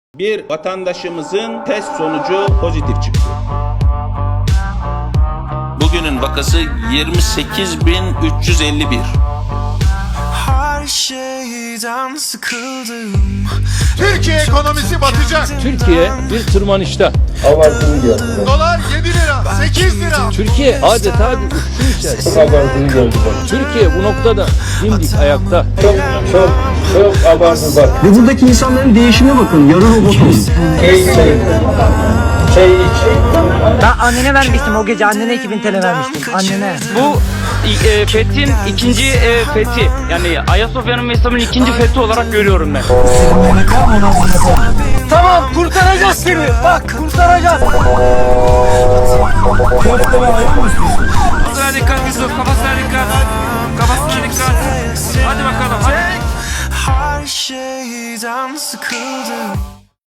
Bir vatandaşımızın test sonucu pozitif çıktı. Bugünün vakası 28.351. Her şeyden sıkıldım. Türkiye ekonomisi batacak. Türkiye bir tırmanışta. Abartılı geldi. Dolar 7 lira, 8 lira. Türkiye adeta bir uçuşun içerisinde. Çok abartılı geldi bana. Türkiye bu noktada dimdik ayakta. Çok abartılı bak. Ve buradaki insanların değişime bakın. Yarı robotum. Çay iç. Ben annene vermiştim o gece, annene 2000 TL vermiştim, annene. Bu fethin ikinci fethi. Yani Ayasofya'nın ve İslam'ın ikinci fethi olarak görüyorum ben. Tamam, kurtaracağız seni, bak kurtaracağız. Kafasına dikkat Yusuf, kafasına dikkat. Kafasına dikkat. Hadi bakalım, hadi. Her şeyden sıkıldım.